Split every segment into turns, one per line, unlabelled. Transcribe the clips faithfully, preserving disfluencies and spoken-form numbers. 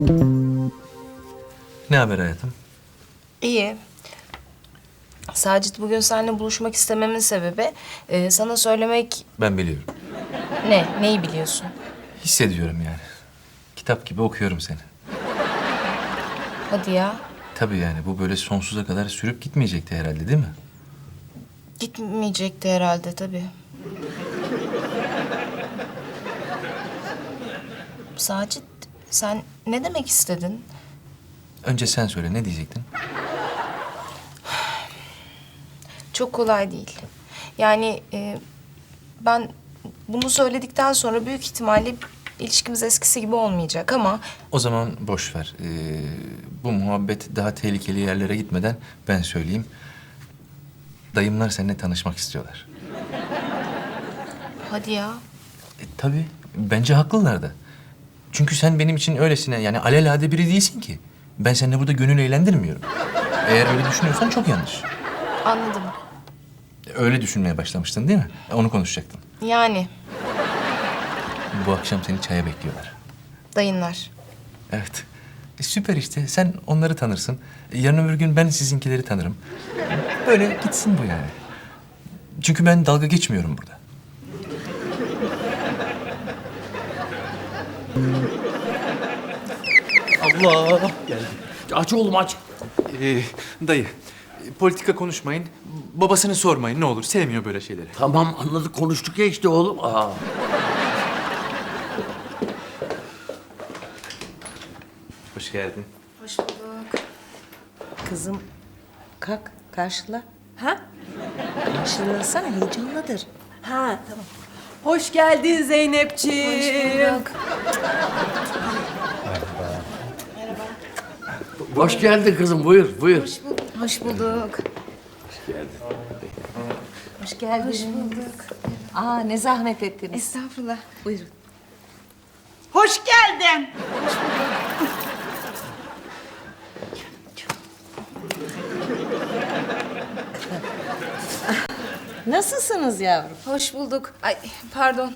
Ne haber hayatım?
İyi. Sacit bugün seninle buluşmak istememin sebebi e, sana söylemek...
Ben biliyorum.
Ne? Neyi biliyorsun?
Hissediyorum yani. Kitap gibi okuyorum seni.
Hadi ya.
Tabii yani bu böyle sonsuza kadar sürüp gitmeyecekti herhalde değil mi?
Gitmeyecekti herhalde tabii. Sacit, sen ne demek istedin?
Önce sen söyle, ne diyecektin?
Çok kolay değil. Yani e, ben bunu söyledikten sonra büyük ihtimalle ilişkimiz eskisi gibi olmayacak ama...
O zaman boş ver. Ee, bu muhabbet daha tehlikeli yerlere gitmeden ben söyleyeyim. Dayımlar seninle tanışmak istiyorlar.
Hadi ya.
E, tabii. Bence haklılar da. Çünkü sen benim için öylesine yani alelade biri değilsin ki. Ben seninle burada gönül eğlendirmiyorum. Eğer öyle düşünüyorsan çok yanlış.
Anladım.
Öyle düşünmeye başlamıştın değil mi? Onu konuşacaktın.
Yani
Bu akşam seni çaya bekliyorlar.
dayınlar.
Evet. E, süper işte. Sen onları tanırsın. E, yarın öbür gün ben sizinkileri tanırım. Böyle gitsin bu yani. Çünkü ben dalga geçmiyorum burada.
Allah! Geldi. Aç oğlum aç.
Ee, dayı, politika konuşmayın. Babasını sormayın ne olur. Sevmiyor böyle şeyleri.
Tamam anladık konuştuk ya işte oğlum. Aa.
Hoş geldin.
Hoş bulduk.
Kızım kalk karşıla. Ha? Karşılasana heyecanlıdır. Ha tamam.
Hoş geldin Zeynepciğim.
Hoş bulduk.
Hoş geldin kızım buyur buyur.
Hoş bulduk.
Hoş geldin. Hoş bulduk. Aa ne zahmet ettiniz.
Estağfurullah.
Buyurun.
Hoş geldin.
Nasılsınız yavrum?
Hoş bulduk. Ay pardon.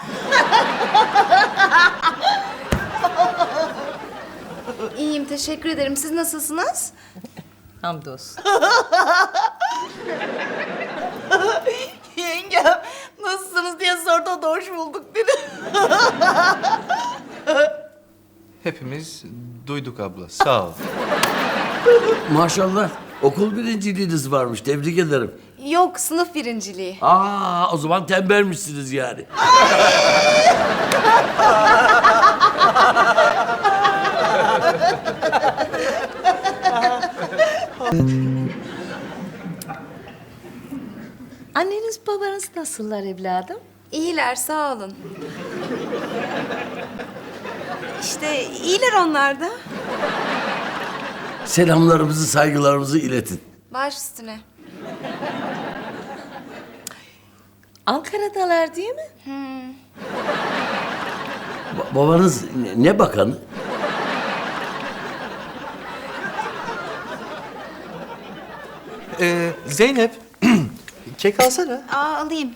İyiyim, teşekkür ederim. Siz nasılsınız?
Hamdolsun.
Yengem nasılsınız diye sordu, o da hoş bulduk dedi.
Hepimiz duyduk abla. Sağ ol.
Maşallah okul birinciliğiniz varmış tebrik ederim.
Yok, sınıf birinciliği.
Aa o zaman tembelmişsiniz yani.
Anneniz babanız nasıllar evladım?
İyiler, sağ olun. İşte iyiler onlar da.
Selamlarımızı saygılarımızı iletin.
Baş üstüne.
Ankara'dalar değil mi?
Ba- babanız ne, ne bakanı?
Ee, Zeynep, kek alsana.
Aa, alayım.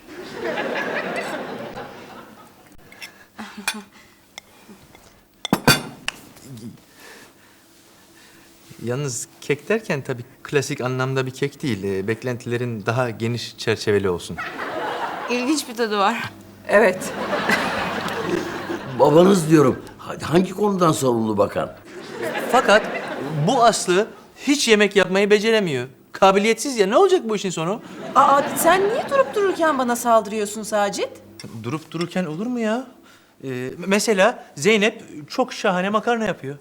Yalnız kek derken tabii klasik anlamda bir kek değil. Ee, beklentilerin daha geniş çerçeveli olsun.
İlginç bir tadı var.
Evet.
Babanız diyorum ha- hangi konudan sorumlu bakan?
Fakat bu Aslı hiç yemek yapmayı beceremiyor. Kabiliyetsiz ya. Ne olacak bu işin sonu?
Aa, sen niye durup dururken bana saldırıyorsun Sacit?
Durup dururken olur mu ya? Ee, mesela Zeynep çok şahane makarna yapıyor.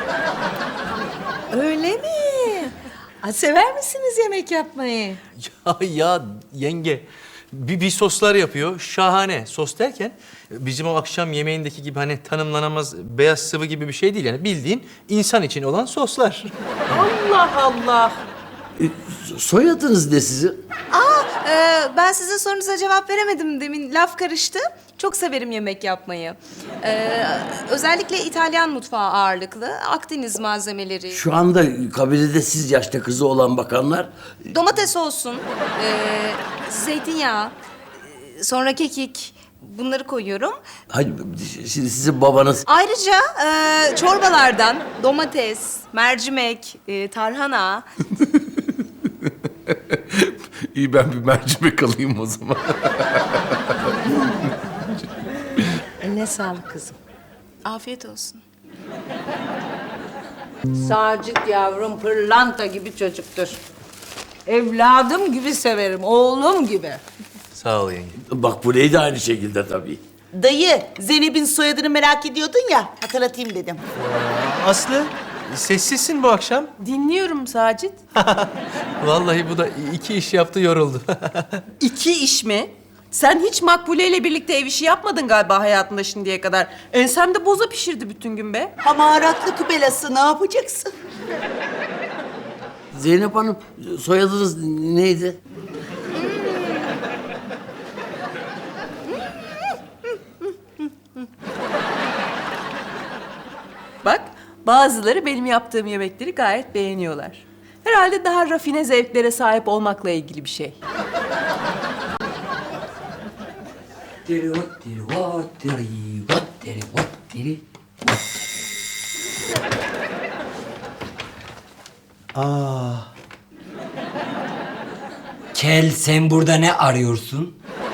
Öyle mi? Aa, sever misiniz yemek yapmayı?
Ya ya yenge bir, bir soslar yapıyor şahane. Sos derken bizim o akşam yemeğindeki gibi hani tanımlanamaz beyaz sıvı gibi bir şey değil. Yani bildiğin insan için olan soslar.
Allah Allah.
E, soyadınız ne sizin?
Ee, ben sizin sorunuza cevap veremedim demin. Laf karıştı. Çok severim yemek yapmayı. Ee, özellikle İtalyan mutfağı ağırlıklı. Akdeniz malzemeleri.
Şu anda kabilede siz yaşta kızı olan bakanlar
Domates olsun. ee, zeytinyağı. ee, Sonra kekik. bunları koyuyorum.
Hayır, şimdi sizin babanız...
Ayrıca e, çorbalardan domates, mercimek, e, tarhana.
İyi ben bir mercimek alayım o zaman.
Eline sağlık kızım.
Afiyet olsun.
Sacit yavrum pırlanta gibi çocuktur. Evladım gibi severim, oğlum gibi.
Sağ ol yenge.
Bak bu neydi aynı şekilde tabii.
Dayı, Zeynep'in soyadını merak ediyordun ya, hatırlatayım dedim.
Aslı, sessizsin bu akşam.
Dinliyorum Sacit.
Vallahi bu da iki iş yaptı, yoruldu.
İki iş mi? Sen hiç Makbule ile birlikte ev işi yapmadın galiba hayatında şimdiye kadar. Ensemde boza pişirdi bütün gün be.
Hamaratlık belası ne yapacaksın?
Zeynep Hanım, soyadınız neydi?
Bak, bazıları benim yaptığım yemekleri gayet beğeniyorlar. Herhalde daha rafine zevklere sahip olmakla ilgili bir şey.
Kel, sen burada ne arıyorsun?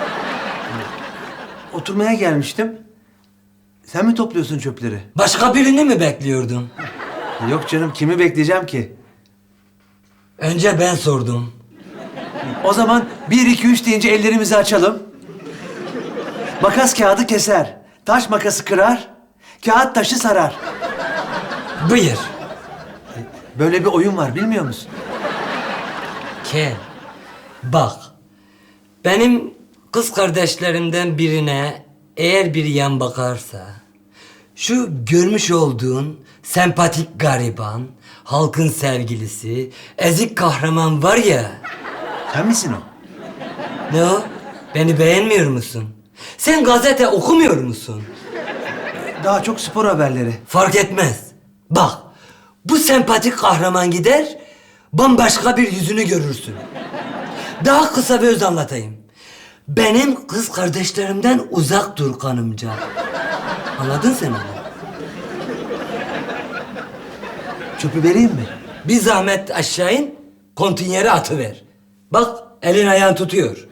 Oturmaya gelmiştim. Sen mi topluyorsun çöpleri?
Başka birini mi bekliyordun?
Yok canım, kimi bekleyeceğim ki?
Önce ben sordum.
O zaman bir, iki, üç deyince ellerimizi açalım. Makas kağıdı keser. Taş makası kırar. Kağıt taşı sarar.
Buyur.
Böyle bir oyun var, bilmiyor musun?
Kel, bak. Benim kız kardeşlerimden birine eğer bir yan bakarsa... ...şu görmüş olduğun sempatik gariban, halkın sevgilisi, ezik kahraman var ya...
Sen misin o?
Ne o? Beni beğenmiyor musun? Sen gazete okumuyor musun?
Daha çok spor haberleri.
Fark etmez. Bak, bu sempatik kahraman gider, bambaşka bir yüzünü görürsün. Daha kısa bir öz anlatayım. Benim kız kardeşlerimden uzak dur kanımca. Anladın sen onu?
Çöpü vereyim mi?
Bir zahmet aşağı in, kontinyere atıver. Bak, elin ayağın tutuyor.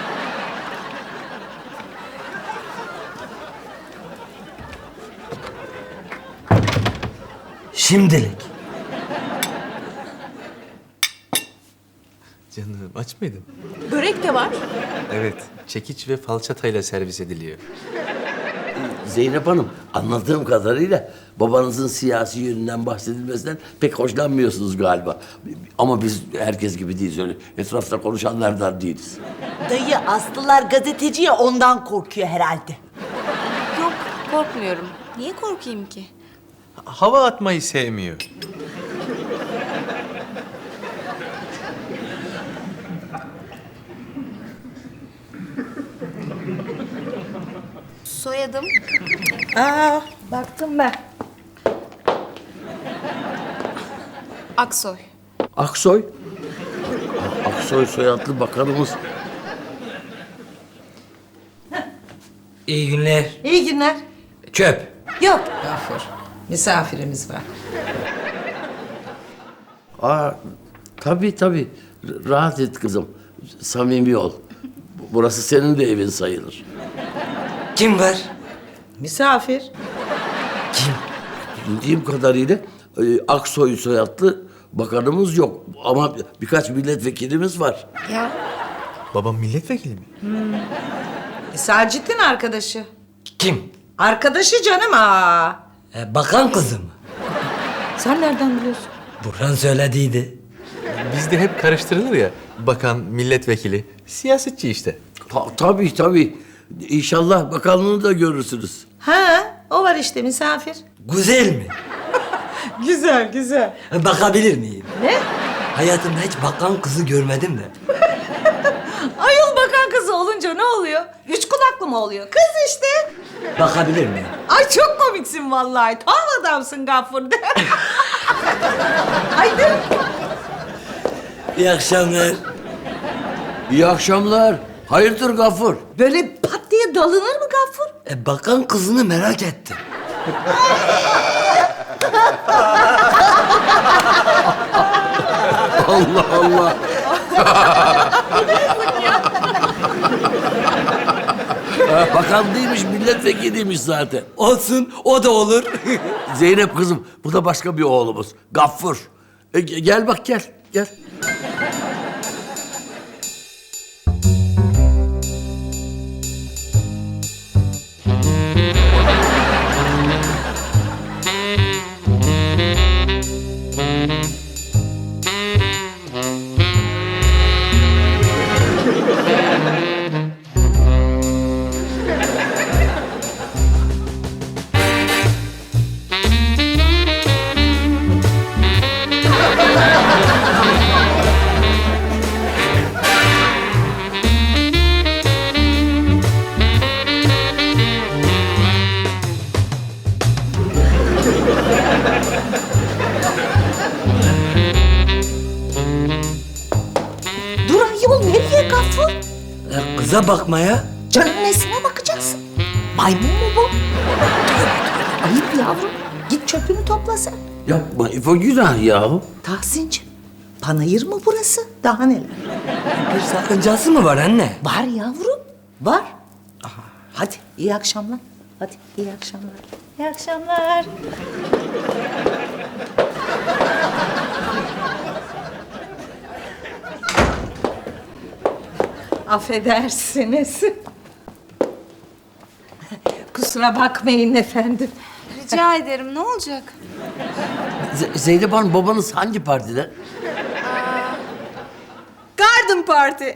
Şimdilik.
Canım, aç mıydın?
Börek de var.
Evet, çekiç ve falçatayla servis ediliyor.
Zeynep Hanım, anladığım kadarıyla babanızın siyasi yönünden bahsedilmesinden pek hoşlanmıyorsunuz galiba. Ama biz herkes gibi değiliz, öyle etrafta konuşanlardan değiliz.
Dayı Aslılar gazeteci ya ondan korkuyor herhalde.
Yok, korkmuyorum. Niye korkayım ki?
Hava atmayı sevmiyor.
Soyadım
Aa, baktım ben.
Aksoy.
Aksoy? Aksoy soyadlı bakanımız.
İyi günler.
İyi günler.
Çöp.
Yok. Gafur, misafirimiz var.
Aa, tabii tabii. Rahat et kızım. Samimi ol. Burası senin de evin sayılır.
Kim var?
Misafir.
Bildiğim kadarıyla e, Aksoy soyadlı bakanımız yok. Ama birkaç milletvekilimiz var.
Ya
Babam milletvekili mi?
E, Sacit'in arkadaşı.
Kim?
Arkadaşı canım aa.
E, bakan kızı mı?
Sen nereden biliyorsun?
Burhan söylediydi.
Bizde hep karıştırılır ya. Bakan, milletvekili, siyasetçi işte.
Ta- tabii tabii. İnşallah bakanlığını da görürsünüz.
Ha, o var işte misafir.
Güzel mi?
Güzel, güzel.
E, bakabilir miyim?
Ne?
Hayatımda hiç bakan kızı görmedim de.
Ayol bakan kızı olunca ne oluyor? Üç kulaklı mı oluyor? Kız işte.
Bakabilir miyim?
Ay çok komiksin vallahi. Tam adamsın Gafur. Haydi.
İyi akşamlar.
İyi akşamlar. Hayırdır Gafur?
Böyle pat diye dalınır mı
E, bakan kızını merak ettim.
Allah Allah. Bakan değilmiş, milletvekiliymiş zaten.
Olsun, o da olur.
Zeynep kızım, bu da başka bir oğlumuz. Gaffur. E, ge- gel bak gel, gel.
Dur ayol, nereye Gaffur?
E, kıza bakmaya.
Canın nesine bakacaksın? Maymun mu bu? Ayıp yavrum. Git çöpünü topla sen.
Yapma İfo, günah yahu.
Tahsin'cim, panayır mı burası? Daha neler?
Bir sakıncası mı var anne?
Var yavrum, var. Aha, hadi iyi akşamlar. Hadi iyi akşamlar. İyi akşamlar.
Affedersiniz. Kusura bakmayın efendim.
Rica ederim, ne olacak?
Z- Zeynep Hanım, babanız hangi partide?
Garden Party.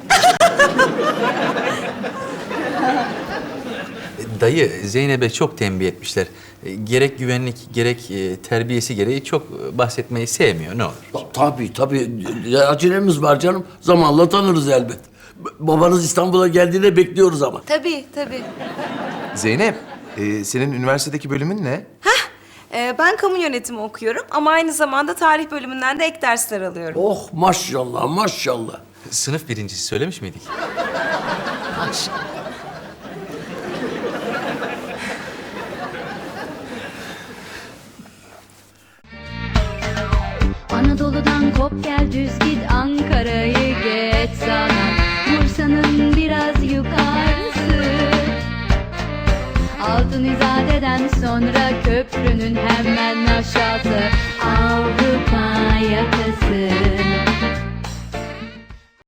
Dayı, Zeynep'e çok tembih etmişler. E, Gerek güvenlik, gerek e, terbiyesi gereği çok e, bahsetmeyi sevmiyor. Ne olur.
Ta- Tabii tabii. Ya, acelemiz var canım. Zamanla tanırız elbet. B- Babanız İstanbul'a geldiğinde bekliyoruz ama.
Tabii, tabii.
Zeynep, e, senin üniversitedeki bölümün ne?
Ee, ben kamu yönetimi okuyorum ama aynı zamanda tarih bölümünden de ek dersler alıyorum.
Oh maşallah maşallah.
Sınıf birincisi söylemiş miydik?
Anadolu'dan kop gel düz git, Ankara'yı geç sana, Bursa'nın biraz yukarısı. Altın İzade'den sonra köprünün hemen aşağısı, Avrupa yakası.